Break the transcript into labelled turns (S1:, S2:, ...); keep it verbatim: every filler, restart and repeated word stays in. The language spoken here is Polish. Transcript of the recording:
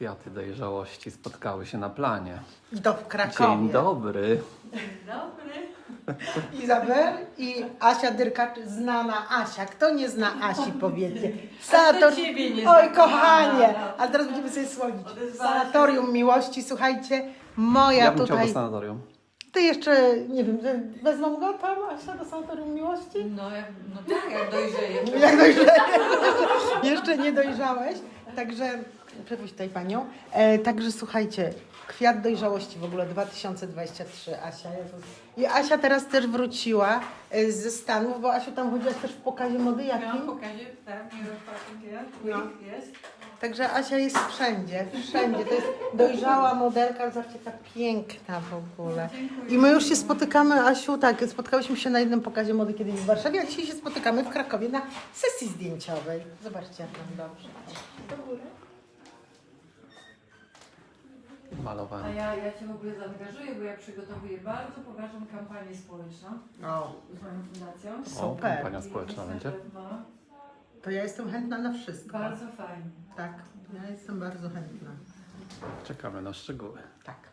S1: Kwiaty dojrzałości spotkały się na planie.
S2: I to w Krakowie.
S1: Dzień dobry.
S3: Dobry.
S2: Izabel i Asia Dyrkacz, znana Asia. Kto nie zna Asi, powiecie.
S3: A kto ciebie nie zna?
S2: Oj, kochanie!
S3: Kochana.
S2: Ale teraz będziemy sobie słodzić.
S3: Odezwała się.
S2: Sanatorium Miłości, słuchajcie, moja
S1: Ja bym chciał do
S2: tutaj...
S1: sanatorium.
S2: Ty jeszcze, nie wiem, wezmą go tam, Asia, do Sanatorium Miłości?
S3: No, jak, no tak, jak dojrzeje.
S2: Jak dojrzałeś? Jeszcze nie dojrzałeś. Także, przepuść tutaj panią. E, także słuchajcie, kwiat dojrzałości w ogóle dwa tysiące dwudziesty trzeci, Asia. Jezus. I Asia teraz też wróciła e, ze Stanów, bo Asiu tam chodziłaś też w pokazie mody
S3: Miałam
S2: jakim?
S3: pokazie, tak, nie rozpatrzę,
S2: No.
S3: jest.
S2: Także Asia jest wszędzie, wszędzie. To jest dojrzała modelka, zobaczcie, ta piękna w ogóle. I my już się spotykamy, Asiu, tak, spotkałyśmy się na jednym pokazie mody kiedyś w Warszawie, a dzisiaj się spotykamy w Krakowie na sesji zdjęciowej. Zobaczcie, jak nam dobrze. Do góry.
S3: A
S1: Malowanie.
S3: ja, ja Cię w ogóle zaangażuję, bo ja przygotowuję bardzo poważną kampanię społeczną
S2: O,
S3: z moją fundacją.
S1: O,
S2: super.
S1: kampania społeczna
S3: I
S1: będzie.
S3: na pewno
S2: To ja jestem chętna na wszystko.
S3: Bardzo fajnie.
S2: Tak, ja jestem bardzo chętna.
S1: Czekamy na szczegóły.
S2: Tak.